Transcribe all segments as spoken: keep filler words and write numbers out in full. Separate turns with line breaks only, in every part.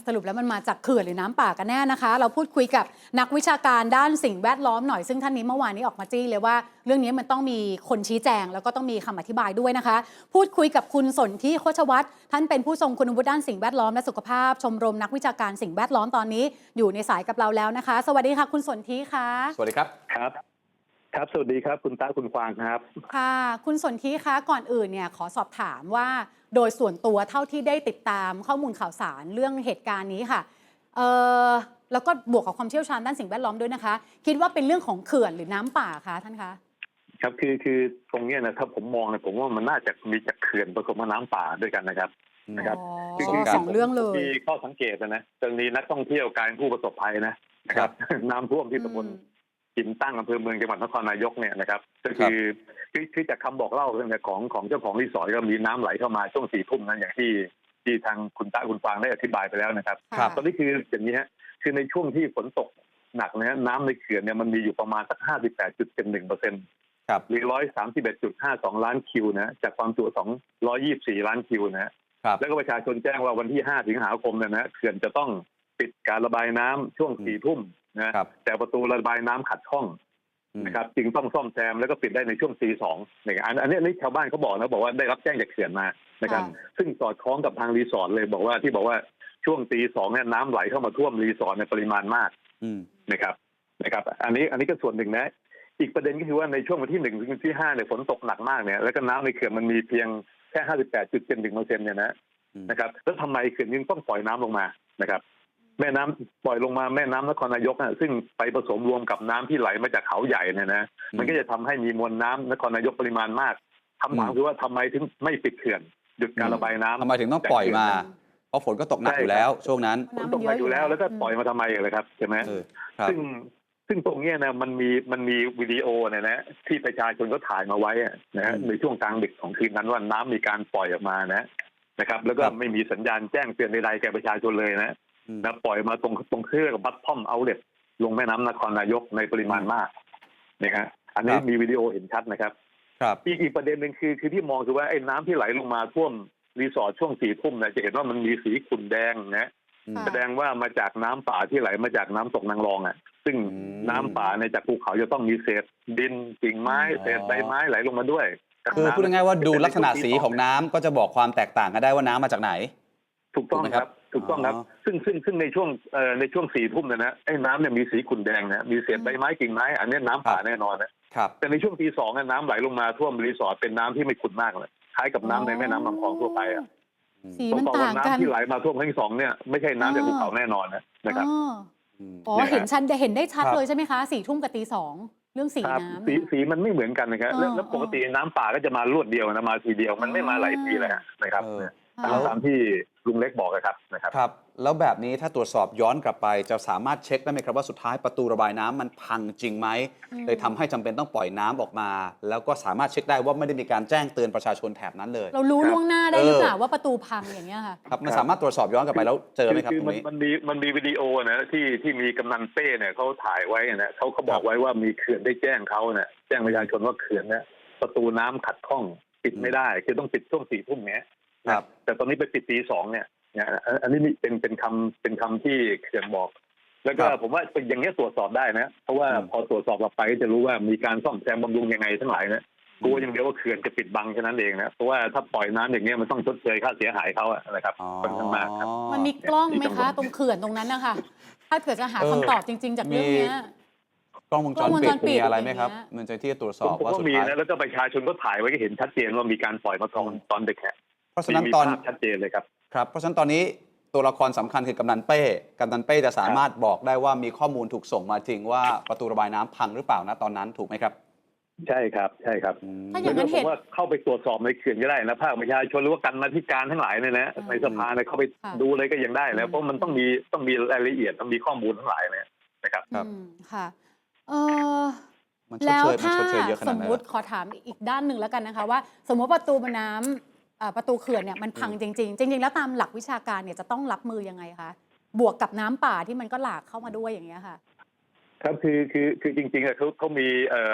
สรุปแล้วมันมาจากเขื่อนหรือน้ำป่ากันแน่นะคะเราพูดคุยกับนักวิชาการด้านสิ่งแวดล้อมหน่อยซึ่งท่านนี้เมื่อวานนี้ออกมาจี้เลยว่าเรื่องนี้มันต้องมีคนชี้แจงแล้วก็ต้องมีคำอธิบายด้วยนะคะพูดคุยกับคุณสนธิโคชวัฒน์ท่านเป็นผู้ทรงคุณวุฒิด้านสิ่งแวดล้อมและสุขภาพชมรมนักวิชาการสิ่งแวดล้อมตอนนี้อยู่ในสายกับเราแล้วนะคะสวัสดีค่ะคุณสนธิค่ะ
สวัสดีครับ
ครับครับสวัสดีครับคุณตาคุณกวางครับ
ค่ะคุณสนธิคะก่อนอื่นเนี่ยขอสอบถามว่าโดยส่วนตัวเท่าที่ได้ติดตามข้อมูลข่าวสารเรื่องเหตุการณ์นี้ค่ะเอ่อแล้วก็บวกกับความเชี่ยวชาญด้านสิ่งแวดล้อมด้วยนะคะคิดว่าเป็นเรื่องของเขื่อนหรือน้ำป่าคะท่านคะ
ครับคือคือตรงนี้นะถ้าผมมองนะผมว่ามันน่าจะมีจากเขื่อนผสมกับน้ำป่าด้วยกันนะครับนะครับ
คือสองเรื่องเลย
มีข้อสังเกตนะตรงนี้นักท่องเที่ยวกลายเป็นผู้ประสบภัยนะนะครับน้ำท่วมที่ตำบลหินตั้งอำเภอเมืองจังหวัดนครนายกเนี่ยนะครับก็คือคือจากคำบอกเล่าของของเจ้าของรีสอร์ทก็มีน้ำไหลเข้ามาช่วงสี่ทุ่มนั้นอย่างที่ที่ทางคุณตาคุณฟางได้อธิบายไปแล้วนะครับตอนนี้คืออย่างนี้ฮะคือในช่วงที่ฝนตกหนักนะน้ำในเขื่อนเนี่ยมันมีอยู่ประมาณสักห้าสิบแปดจุดเจ็ดหนึ่งเปอร์เซ็นต์หรือร้อยสามสิบเอ็ดจุดห้าสองล้านคิวนะจากความจุสองร้อยยี่สิบสี่ล้านคิวนะแล้วก็ประชาชนแจ้งว่าวันที่ห้าสิงหาคมเนี่ยนะเขื่อนจะต้องปิดการระบายน้ำช่วงสี่ทุ่มนะแต่ประตูระบายน้ำขัดข้องนะครับจึงต้องซ่อมแซมแล้วก็ปิดได้ในช่วงตีสองเนี่ยอันนี้นี่ชาวบ้านเขาบอกนะบอกว่าได้รับแจ้งจากเขื่อนมานะครับซึ่งสอดคล้องกับทางรีสอร์ทเลยบอกว่าที่บอกว่าช่วงตีสองเนี่ยน้ำไหลเข้ามาท่วมรีสอร์ทในปริมาณมากนะครับนะครับอันนี้อันนี้ก็ส่วนหนึ่งนะอีกประเด็นก็คือว่าในช่วงวันที่หนึ่งถึงวันที่ห้าเนี่ยฝนตกหนักมากเนี่ยแล้วก็น้ำในเขื่อนมันมีเพียงแค่ห้าสิบแปดจุดเจ็ดหนึ่งเปอร์เซ็นต์เนี่ยนะนะครับแล้วทำไมเขื่อนยังต้องปล่อยน้ำลงมานะครับแม่น้ำปล่อยลงมาแม่น้ำนครนายกซึ่งไปผสมรวมกับน้ำที่ไหลมาจากเขาใหญ่เนี่ยนะมันก็จะทำให้มีมวลน้ำนครนายกปริมาณมากคำถามคือว่าทำไมถึงไม่ปิดเขื่อนหยุดการระบายน้ำ
ทำไมถึงต้องปล่อยมาเพราะฝนก็ตกหนักอยู่แล้วช่วงนั้น
ฝนตกหนักอยู่แล้วแล้วก็ปล่อยมาทำไมเลยครับใช่ไหมซึ่งซึ่งตรงนี้นะมันมีมันมีวิดีโอเนี่ยนะที่ประชาชนก็ถ่ายมาไว้นะฮะในช่วงกลางดึกของคืนนั้นว่าน้ำมีการปล่อยออกมานะนะครับแล้วก็ไม่มีสัญญาณแจ้งเตือนใดๆแก่ประชาชนเลยนะนะปล่อยมาตรงตรงเครื่องกับบัตทอมเอาเล็ตลงแม่น้ำนครนายกในปริมาณมากนะฮะอันนี้มีวิดีโอเห็นชัดนะครับอีกอีกประเด็นหนึ่งคือคือที่มองคือว่าไอ้น้ำที่ไหลลงมาท่วมรีสอร์ทช่วงสี่ทุ่มเนี่ยจะเห็นว่ามันมีสีขุ่นแดงนะแสดงว่ามาจากน้ำป่าที่ไหลมาจากน้ำตกนางรองอ่ะซึ่งน้ำป่าในจากภูเขาจะต้องมีเศษดินกิ่งไม้เศษใบไม้ไหลลงมาด้วย
คือพูดง่ายๆว่าดูลักษณะสีของน้ำก็จะบอกความแตกต่างกันได้ว่าน้ำมาจากไหน
ถูกต้องครับถูกต้องครับซึ่งซึ่งซึ่งในช่วงเอ่อในช่วงสี่ทุ่มเนี่ยนะไอ้น้ำเนี่ยมีสีขุ่นแดงนะมีเศษใบไม้กิ่งไม้อันนี้น้ำป่าแน่นอนนะครับแต่ในช่วงตีสองน้ำไหลลงมาท่วมรีสอร์ทเป็นน้ำที่ไม่ขุ่นมากเลยคล้ายกับน้ำในแม่น้ำลำคลองทั่วไปอ่ะ
สีมันต่างกัน
น้ำที่ไหลมาท่วมครั้งที่สองเนี่ยไม่ใช่น้ำจากภูเขาแน่นอนนะครับ
อ๋อเห็นชัดเห็นได้ชัดเลยใช่ไหมคะสี่ทุ่มกับตีสองเรื่องสีน้ำ
สีสีมันไม่เหมือนกันนะครับแล้วปกติน้ำป่าก็จะมารวดเดียวนะมาทีเดียวมันไม่มาหลายทีเลยนะครับตามที่ลุงเล็กบอกนะครับนะครับ
ครับแล้วแบบนี้ถ้าตรวจสอบย้อนกลับไปจะสามารถเช็คได้ไหมครับว่าสุดท้ายประตูระบายน้ำมันพังจริงไหมเลยทำให้จำเป็นต้องปล่อยน้ำออกมาแล้วก็สามารถเช็คได้ว่าไม่ได้มีการแจ้งเตือนประชาชนแถบนั้นเลย
เรารู้ล่วงหน้าได้หรือเปล่าว่าประตูพังอย่างเงี้ยค่ะ
ครับมันสามารถตรวจสอบย้อนกลับไปแล้วเจอไหมครับตรงนี้
มันมีมันมีวิดีโอนะที่ที่มีกำนันเป้เนี่ยเขาถ่ายไว้นะเขาเขาบอกไว้ว่ามีเขื่อนได้แจ้งเขาเนี่ยแจ้งประชาชนว่าเขื่อนเนี่ยประตูน้ำขัดข้องปิดไม่ได้คือต้องปิดช่วงสี่ทุ่มเนี้ยครับแต่ตอนนี้ไปปิดตีสองเนี่ยอันนี้เป็นเป็นคำเป็นคำที่เขื่อนบอกแล้วก็ผมว่าอย่างนี้ตรวจสอบได้นะเพราะว่าพอตรวจสอบกลับไปก็จะรู้ว่ามีการซ่อมแซมบำรุงยังไงทั้งหลายนะกลัวอย่างเดียวว่าเขื่อนจะปิดบังแค่นั้นเองนะเพราะว่าถ้าปล่อยน้ำอย่างนี้มันต้องชดเชยค่าเสียหายเขาอะนะครับค่อนข้างมากครับ
มันมีกล้องไหมคะตรงเขื่อนตรงนั้นนะคะถ้าเกิดจะหาคำตอบจริงๆจากเรื่องนี้
กล้องวงจรปิดมีอะไรไหมครับมันจะที่ตรวจสอบว่าสุดท้าย
แล้วก็ประชาชนก็ถ่ายไว้ก็เห็นชัดเจนว่ามีการปล่อยมาตอนตอนเด็กแค่
เพราะฉะนั้นตอน
ชัดเจนเลยครับ
ครับเพราะฉะนั้นตอนนี้ตัวละครสำคัญคือกำนันเป้กำนันเป้จะสามารถบอกได้ว่ามีข้อมูลถูกส่งมาจริงว่าประตูระบายน้ำพังหรือเปล่านะตอนนั้นถูกไหมครับ
ใช่ครับใช่ครับถ้าอย่างนั้นผมว่าเข้าไปตรวจสอบในเขื่อนก็ได้นะภาคประชาชนหรือว่ากันมาธิการทั้งหลายเนี่ยนะในสภาเนี่ยเข้าไปดูเลยก็ยังได้แล้วเพราะมันต้องมีต้องมีรายละเอียดต้องมีข้อมูลทั้งหลายเลยนะครับ
ครับค่ะเออแล้วถ้าสมมติขอถามอีกด้านหนึ่งแล้วกันนะคะว่าสมมติประตูน้ำประตูเขื่อนเนี่ยมันพังจริงๆจริงๆแล้วตามหลักวิชาการเนี่ยจะต้องรับมือยังไงคะบวกกับน้ำป่าที่มันก็หลากเข้ามาด้วยอย่างเงี้ยค่ะ
ครับคือคือคือจริงๆเขาเขามีเอ่อ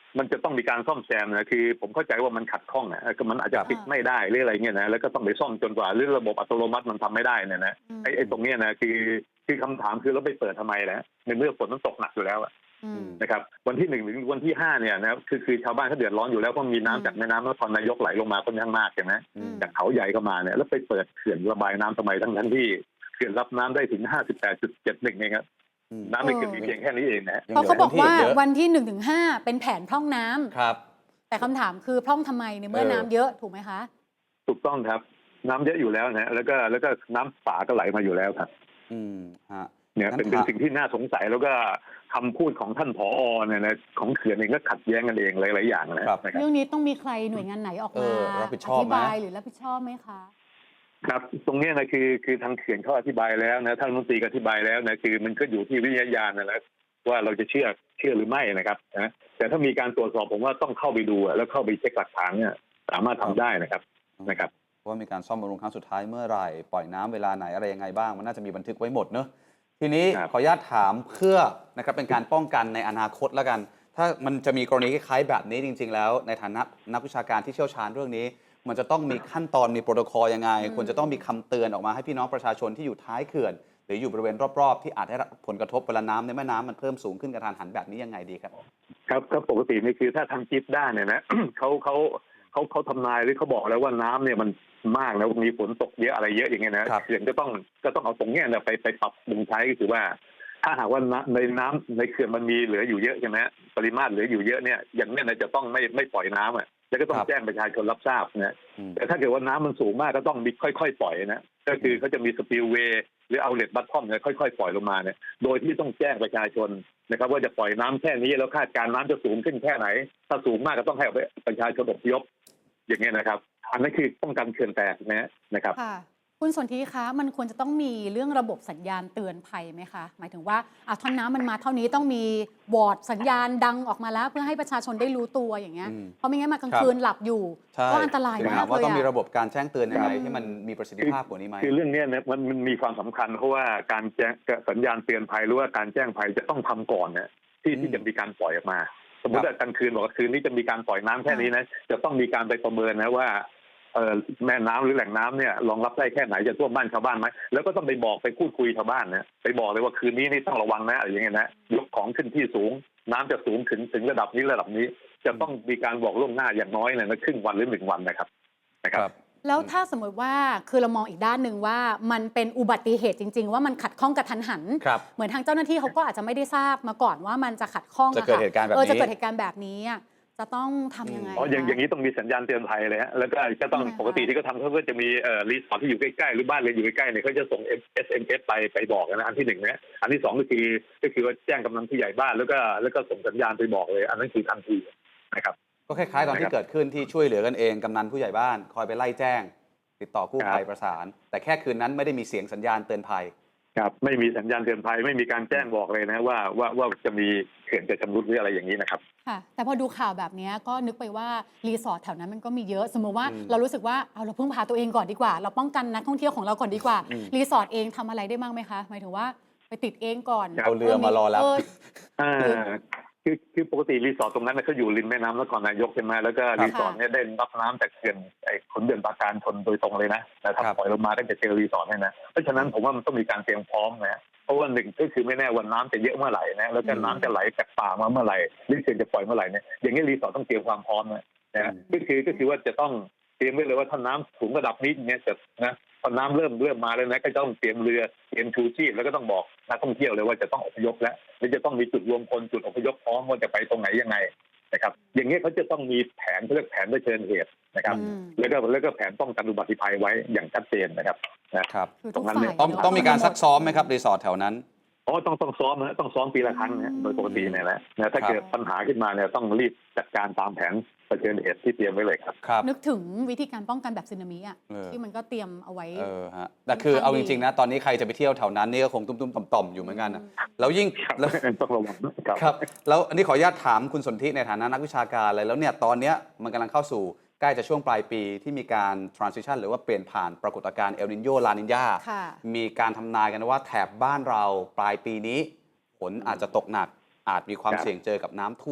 มันจะต้องมีการซ่อมแซมนะคือผมเข้าใจว่ามันขัดข้องนะก็มันอาจจะปิดไม่ได้หรืออะไรเงี้ยนะแล้วก็ต้องไปซ่อมจนกว่าหรือระบบอัตโนมัติมันทำไม่ได้เนี่ยนะไอ้ไอ้ตรงเนี้ยนะคือคือคำถามคือเราไปเปิดทำไมนะในเมื่อฝนมันตกหนักอยู่แล้วนะครับวันที่หนึ่งถึงวันที่ห้าเนี่ยนะคือคือชาวบ้านเขาเดือดร้อนอยู่แล้วเพราะมีน้ำจากแม่น้ำนครนายกไหลลงมาค่อนข้างมากใช่ไหมจากเขาใหญ่เข้ามาเนี่ยแล้วไปเปิดเขื่อนระบายน้ำทำไมทั้งทั้งที่เขื่อนรับน้ำได้ถึง ห้าสิบแปดจุดเจ็ดหนึ่ง เองครับน้ำในเขื่อนมีเพียงแค่นี้เองนะ
เพราะเขาบอกว่าวันที่หนึ่งถึงห้าเป็นแผนพร่องน้ำ
ครับ
แต่คำถามคือพร่องทำไมในเมื่อน้ำเยอะถูกไหมคะ
ถูกต้องครับน้ำเยอะอยู่แล้วนะแล้วก็แล้วก็น้ำป่าก็ไหลมาอยู่แล้วครับ
อืมฮะ
เนี่ยเป็นเป็นสิ่งที่น่าสงสัยแล้วก็คำพูดของท่านผอเนี่ยนะของเขื่อนเองก็ขัดแย้งกันเองหลายๆอย่างนะครับ
เรื่องนี้ต้องมีใครหน่วยงานไหนออกมาอธิบายหรือรับผิดชอบไหมคะ
ครับตรงนี้นะคือคือทางเขื่อนเขาอธิบายแล้วนะท่านรัฐมนตรีก็อธิบายแล้วนะคือมันก็อยู่ที่วิทยาญาณนะนะว่าเราจะเชื่อเชื่อหรือไม่นะครับนะแต่ถ้ามีการตรวจสอบผมว่าต้องเข้าไปดูแล้วเข้าไปเช็คหลักฐานเนี่ยสามารถทำได้นะครับนะครับ
ว่ามีการซ่อมบำรุงครั้งสุดท้ายเมื่อไหร่ปล่อยน้ำเวลาไหนอะไรยังไงบ้างมันน่าจะมีบันทึกไว้หมดเนอะทีนี้ขออนุญาตถามเพื่อนะครับเป็นการป้องกันในอนาคตแล้วกันถ้ามันจะมีกรณีคล้ายๆแบบนี้จริงๆแล้วในฐานะนักวิชาการที่เชี่ยวชาญเรื่องนี้มันจะต้องมีขั้นตอนมีโปรโตคอลยังไงควรจะต้องมีคำเตือนออกมาให้พี่น้องประชาชนที่อยู่ท้ายเขื่อนหรืออยู่บริเวณรอบๆที่อาจได้รับผลกระทบเวลาน้ำในแม่น้ำมันเพิ่มสูงขึ้นกระทันหันแบบนี้ยังไงดีครับ
ครับก็ปกตินี่คือถ้าทำจิตได้เนี่ยนะ เขาเขาเขาเขาทำนายหรือเขาบอกแล้วว่าน้ำเนี่ยมันมากแล้วมีฝนตกเยอะอะไรเยอะอย่างเงี้ยนะเขื่อนก็ต้องก็ต้องเอาตรงเนี้ยไปไปปรับปรุงใช้ก็คือว่าถ้าหากว่าในน้ำในเขื่อนมันมีเหลืออยู่เยอะใช่ไหมปริมาตรเหลืออยู่เยอะเนี่ยอย่างนี้นะจะต้องไม่ไม่ปล่อยน้ำอ่ะแล้วก็ต้องแจ้งประชาชนรับทราบนะแต่ถ้าเกิดว่าน้ำมันสูงมากก็ต้องมีค่อยๆปล่อยนะก็คือเขาจะมีสปิลเวย์หรือเอาเลทบัตทอมเนี่ยค่อยๆปล่อยลงมาเนี่ยโดยที่ต้องแจ้งประชาชนนะครับว่าจะปล่อยน้ำแค่นี้แล้วคาดการน้ำจะสูงขึ้นแค่ไหนถ้าสูงมากก็ต้องให้ประชาชนอพยพอย่างเงี้ยนะครับอันนั้นคือป้องกันเขื่อนแตกนะนะครับ
คุณสนธิคะมันควรจะต้องมีเรื่องระบบสัญญาณเตือนภัยไหมคะหมายถึงว่าอ่ะท่อนน้ำมันมาเท่านี้ต้องมีวอร์ดสัญญาณดังออกมาแล้วเพื่อให้ประชาชนได้รู้ตัวอย่างเงี้ยเพราะไม่งั้นมากลางคืนหลับอยู่ก็อันตรายมากเลย
ว่าต้องมีระบบการแจ้งเตือนยังไงที่มันมีประสิทธิภาพกว่านี้ไหม
คือเรื่องนี้เนี่ยมันมีความสำคัญเพราะว่าการแจ้งสัญญาณเตือนภัยหรือว่าการแจ้งภัยจะต้องทำก่อนเนี่ยที่ที่จะมีการปล่อยออกมาสมมติว่ากลางคืนบอกว่าคืนนี้จะมีการปล่อยน้ำแค่นี้นะจะต้องมีการไปประเมินนะว่าแม่น้ำหรือแหล่งน้ำเนี่ยรองรับได้แค่ไหนจะท่วมบ้านชาวบ้านไหมแล้วก็ต้องไปบอกไปพูดคุยชาวบ้านนะไปบอกเลยว่าคืนนี้นี่ต้องระวังนะอะไรอย่างเงี้ยนะยกของขึ้นที่สูงน้ำจะสูงถึงถึงระดับนี้ระดับนี้จะต้องมีการบอกล่วงหน้าอย่างน้อยเนี่ยนะครึ่งวันหรือหนึ่งวันนะครับนะครับ
แล้วถ้าสมมติว่าคือเรามองอีกด้านหนึ่งว่ามันเป็นอุบัติเหตุจริงๆว่ามันขัดข้องกระทันหันเหมือนทางเจ้าหน้าที่เขาก็อาจจะไม่ได้ทราบมาก่อนว่ามันจะขัดข้อง
จะเกิดเหตุการณ์แบบนี้
จะเกิดเหตุการณ์แบบนี้จะต้องทำยังไง
อ๋ออย่างอย่างนี้ต้องมีสัญญาณเตือนภัยเลยฮะแล้วก็ก็ต้องปกติที่เขาทำเขาก็จะมีเอ่อรีสอร์ทที่อยู่ใกล้ๆหรือบ้านเรือนอยู่ใกล้ๆเนี่ยเขาจะส่ง เอส เอ็ม เอส ไปไปบอกนะอันที่หนึ่งนะอันที่สองก็คือก็คือว่าแจ้งกำนันผู้ใหญ่บ้านแล้วก็แล้วก็ส่งสัญญาณไปบอกเลยอันนั้นคือทันทีนะครับ
ก็คล้ายๆตอนที่เกิดขึ้นที่ช่วยเหลือกันเองกำนันผู้ใหญ่บ้านคอยไปไล่แจ้งติดต่อกู้ภัยประสานแต่แค่คืนนั้นไม่ได้มีเสียงสัญญาณเตือนภัย
ครับไม่มีสัญญาณเตือนภัยไม่มีการแจ้งบอกเลยนะว่าว่าว่าจะมีเขื่อนจะชำรุดหรืออะไรอย่างนี้นะครับ
ค่ะแต่พอดูข่าวแบบนี้ก็นึกไปว่ารีสอร์ทแถวนั้นมันก็มีเยอะสมมติว่าเรารู้สึกว่าเอาเราพึ่งพาตัวเองก่อนดีกว่าเราป้องกันนักท่องเที่ยวของเราก่อนดีกว่ารีสอร์ทเองทำอะไรได้บ้างไหมคะหมายถึงว่าไปติดเองก่อน
เอาเรือมารอรับ
คือคือปกติรีสอร์ทตรงนั้นเขาอยู่ริมแม่น้ำนครนายกใช่ไหมแล้วก็รีสอร์ทเนี่ยได้รับน้ำจากเขื่อนไอ้ขนเดือนปราการชนโดยตรงเลยนะแต่ถ้าปล่อยลงมาก็จะเจอรีสอร์ทเนี่ยนะเพราะฉะนั้นผมว่ามันต้องมีการเตรียมพร้อมนะเพราะว่าหนึ่งก็คือไม่แน่วันน้ำจะเยอะเมื่อไหร่นะแล้วก็น้ำจะไหลจากป่ามาเมื่อไหร่หรือเขื่อนจะปล่อยเมื่อไหร่เนี่ยอย่างนี้รีสอร์ทต้องเตรียมความพร้อมนะนะก็คือก็คือว่าจะต้องเตรียมไว้เลยว่าถ้าน้ำสูงระดับนี้เนี่ยจะนะพอน้ำเริ่มเริ่มมาแล้วนะก็ต้องเตรียมเรือเตรียมชูชีพแล้วก็ต้องบอกนักท่องเที่ยวเลยว่าจะต้องอพยพแล้วและจะต้องมีจุดรวมพลจุดอพยพพร้อมว่าจะไปตรงไหนยังไงนะครับอย่างนี้เขาจะต้องมีแผนเขาเรียกแผนเผชิญเหตุนะครับแล้วก็แล้วก็แผนป้องกันอุบัติภัยไว้อย่างชัดเจนนะครับ
นะครับตรงนั้นเนี่ยต้องต้องมีการซักซ้อมไหมครับรีสอร์ทแถวนั้น
อ๋อต้องต้องซ้อมนะต้องซ้อมปีละครั้งนะโดยปกติเนี่ยแหละนะถ้าเกิดปัญหาขึ้นมาเนี่ยต้องรีบจัดการตามแผนเผชิญเหตุที่เตรียมไว้เลยครับ
นึกถึงวิธีการป้องกันแบบสึนามิอ่ะที่มันก็เตรียมเอาไว้
เออฮะแต่คือเอาจริงๆนะตอนนี้ใครจะไปเที่ยวแถวนั้นนี่ก็คงตุ้มๆต่อมๆอยู่เหมือนกันนะแล้วยิ่ง
แล้วต้องระวัง
ครับแล้วอันนี้ขออนุญาตถามคุณสนธิในฐานะนักวิชาการเลยแล้วเนี่ยตอนนี้มันกำลังเข้าสู่ใกล้จะช่วงปลายปีที่มีการ transition หรือว่าเปลี่ยนผ่านปรากฏการณ์เอลนิโญลานิญามีการทำนายกันว่าแถบบ้านเราปลายปีนี้ฝนอาจจะตกหนักอาจมีความเสี่ยงเจอกับน้ำท่วม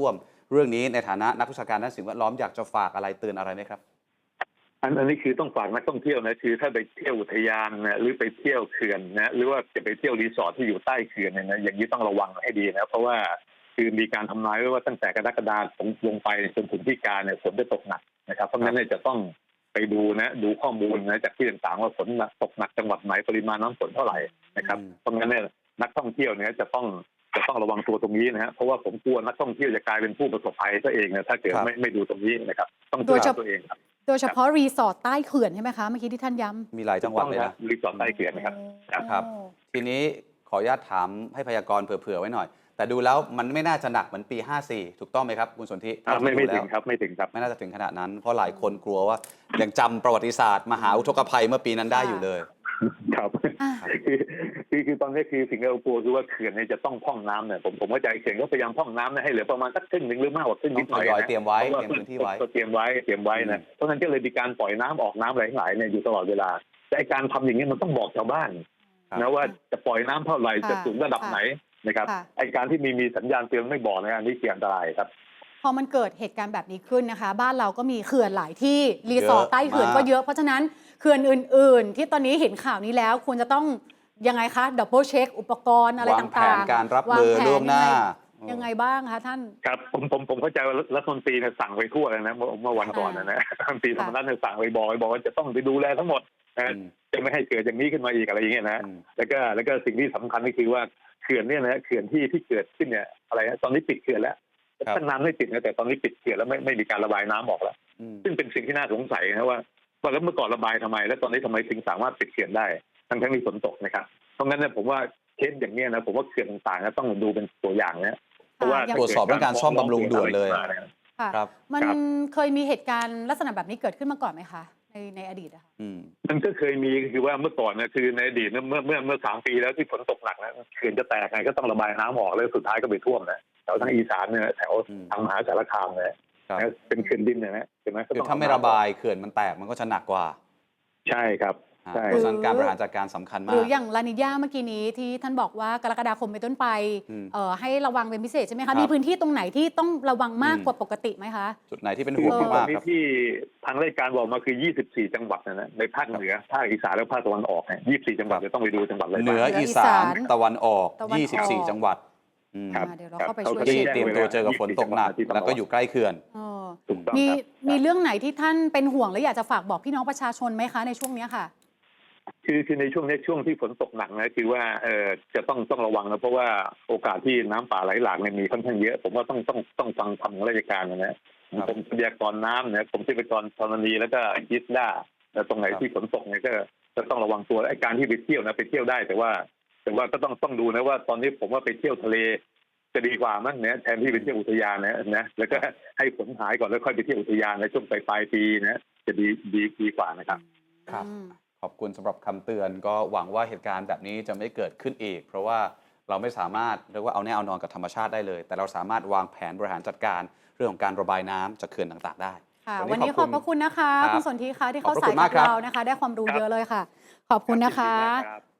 เรื่องนี้ในฐานะนักวิชาการด้านสิ่งแวดล้อมอยากจะฝากอะไรเตือนอะไรไหมครับ
อันอันนี้คือต้องฝากนักท่องเที่ยวนะคือถ้าไปเที่ยวอุทยานนะหรือไปเที่ยวเขื่อนนะหรือว่าจะไปเที่ยวรีสอร์ทที่อยู่ใต้เขื่อนเนี่ยนะอย่างนี้ต้องระวังให้ดีนะเพราะว่าคือมีการทำนายไว้ว่าตั้งแต่กรกฎาคมลงไปจนถึงพฤศจิกาเนี่ยฝนจะตกหนักนะครับเพราะฉะนั้นเนี่ยจะต้องไปดูนะดูข้อมูลนะจากที่ต่างๆว่าฝนตกหนักจังหวัดไหนปริมาณน้ำฝนเท่าไหร่นะครับเพราะงั้นเนี่ยนักท่องเที่ยวเนี่ยจะต้องจะต้องระวังตัวตรงนี้นะฮะเพราะว่าผมกลัวนักท่องเที่ยวจะกลายเป็นผู้ประสบภัยซะเองนะถ้าเกิดไม่ไม่ดูตรงนี้นะครับต้องดูแลตัวเองครับ
โดยเฉพาะรีสอร์ทใต้เขื่อนใช่ไหมคะเมื่อกี้ที่ท่านย้ำ
มีหลายจังหวัดเลยนะ
รีสอร์ทใต้เขื่อนนะครับ
ครับทีนี้ขออนุญาตถามให้พยากรณ์เผื่อๆไว้หน่อยแต่ดูแล้วมันไม่น่าจะหนักเหมือนปีห้าสี่ถูกต้องไหมครับคุณสนธิ
ไม่ไม่ถึงครับไม่ถึงครับ
ไม่น่าจะถึงขนาดนั้นเพราะหลายคนกลัวว่ายังจำประวัติศาสตร์มหาอุทกภัยเมื่อปีนั้นได้อยู่เลย
ครับคือคือคือตอนนี้คือสิ่งที่เรากลัวคือว่าเขื่อนเนี่ยจะต้องพร่องน้ำเนี่ยผมผมเข้าใจเขื่อนก็พยายามพร่องน้ำนะให้เหลือประมาณสักครึ่งหนึ่งหรือมากกว่าครึ่งนิดหน่อยนะ
เตรียมไว้เตรียมพื้นที่ไว้
เตรียมไว้เตรียมไว้นะเพราะฉะนั้นก็เลยมีการปล่อยน้ำออกน้ำหลายๆเนี่ยอยู่ตลอดเวลาแต่การทำอย่างนี้มันต้องบอกชาวบ้านนะว่าจะปล่อยน้ำเท่าไหร่จะสูงระดับไหนนะครับไอการที่มีมีสัญญาณเตือนไม่บอกนะอันนี้เสี่ยงอันตรายครับ
พอมันเกิดเหตุการณ์แบบนี้ขึ้นนะคะบ้านเราก็มีเขื่อนหลายที่รีสอร์ทใต้เขื่อนก็เยอะเพราะฉะนั้นเขื่อนอื่นๆที่ตอนนี้เห็นข่าวนี้แล้วควรจะต้องยังไงคะดับเบิลเช็คอุปกรณ์อะไรต่างๆวาง
แผนการรับมือล่วงหน้า
ยังไงบ้างคะท่าน
ครับผมผมผมเข้าใจว่ารัฐมนตรีเนี่ยสั่งไปทั่วเลยนะเมื่อเมื่อวันก่อนนะนะรัฐมนตรีธรรมนัฐเนี่ยสั่งไปบอกไปบอกว่าจะต้องไปดูแลทั้งหมดนะจะไม่ให้เกิดอย่างนี้ขึ้นมาอีกอะไรอย่างเงี้ยนะแล้วก็แล้วก็สิ่งที่สำคัญก็คือว่าเขื่อนเนี่ยนะเขื่อนที่ที่เกิดขึ้นเนี่ยอะไรนะตอนนี้ปิดเขื่อนแล้วตั้งนานไม่ปิดนะแต่ตอนนี้ปิดเขื่อนแล้วไม่ไม่มีการระบายน้ำออกแล้วซึ่งเป็นสิ่งที่น่าสงสัยนะว่าว่าแล้วเมื่อก่อนระบายทำไมแล้วตอนนี้ทำไมถึงสามารถปิดเขื่อนได้ทั้งทั้งมีฝนตกนะครับเพราะงั้นเนี่ยผมว่าเคสอย่างนี้นะผมว่าเขื่อนต่างๆต้องดูเป็นตัวอย่างนะเพราะว่า
ตรวจสอบเรื่องการซ่อมบำรุงด่วนเลย
ครับมันเคยมีเหตุการณ์ลักษณะแบบนี้เกิดขึ้นมาก่อนไหมคะในในอดีตอะค่ะ
มันก็เคยมีคือว่าเมื่อก่อนนะคือในอดีตเมื่อเมื่อเมื่อสามปีแล้วที่ฝนตกหนักนะเขื่อนจะแตกไงก็ต้องระบายน้ำออกแล้วสุดท้ายก็ไปท่วมนะแถวทางอีสานเนี่ยแถวทางมหาสารคามเนี่ยเป็นเขื่อนดินเนี่ยนะใช่ไหม
คือถ้าไม่ระบายเขื่อนมันแตกมันก็จะหนักกว่า
ใช่ครับ
เพราะฉะนั้นการบริหารจัดการสำคัญมาก
หรืออย่างลานิญาเมื่อกี้นี้ที่ท่านบอกว่ากรกฎาคมเป็นต้นไปให้ระวังเป็นพิเศษใช่ไหมคะมีพื้นที่ตรงไหนที่ต้องระวังมากกว่าปกติไหมคะ
จุดไหนที่เป็นห่วงมาก
ครับที่ทางราชการบอกมาคือยี่สิบสี่จังหวัดนะในภาคเหนือภาคอีสานและภาคตะวันออกเนี่ยยี่สิบสี่จังหวัดจะต้องไปดูจังหวัดอะไร
เหนืออีสานตะวันออกยี่สิบสี่จังหวัด
เดี๋ยวเราเข้าไปช่วย
เตรียมตัวเจอกับฝนตกหนักแล้วก็อยู่ใกล้เขื่อน
มีมีเรื่องไหนที่ท่านเป็นห่วงและอยากจะฝากบอกพี่น้องประชาชนไหมคะในช่วงนี้ค่ะ
คือคือในช่วงนี้ช่วงที่ฝนตกหนักนะคือว่าเออจะต้องต้องระวังนะเพราะว่าโอกาสที่น้ำป่าไหลหลากเนี่ยมีค่อนข้างเยอะผมว่าต้องต้องต้องฟังคำของราชการนะผมพยากรณ์น้ำเนี่ยผมที่ไปกรธรณีแล้วก็ยิสด้าแล้วตรงไหนที่ฝนตกเนี่ยก็จะต้องระวังตัวไอ้การที่ไปเที่ยวนะไปเที่ยวได้แต่ว่าแต่ว่าก็ต้องต้องดูนะว่าตอนนี้ผมว่าไปเที่ยวทะเลจะดีกว่ามั้งเนี่ยแทนที่ไปเที่ยวอุทยานนะนะแล้วก็ให้ฝนหายก่อนแล้วค่อยไปเที่ยวอุทยานในช่วงปลายปลายปีนะจะดีดีดีกว่านะครับ
ครับขอบคุณสำหรับคำเตือนก็หวังว่าเหตุการณ์แบบนี้จะไม่เกิดขึ้นอีกเพราะว่าเราไม่สามารถเรียกว่าเอาแน่เอานอนกับธรรมชาติได้เลยแต่เราสามารถวางแผนบริหารจัดการเรื่องของการระบายน้ำจากเขื่อนต่างๆได้
วันนี้ขอบพระคุณนะคะคุณสนธิคะที่เข้าสายกับเรานะคะได้ความรู้เยอะเลยค่ะขอบคุณนะคะ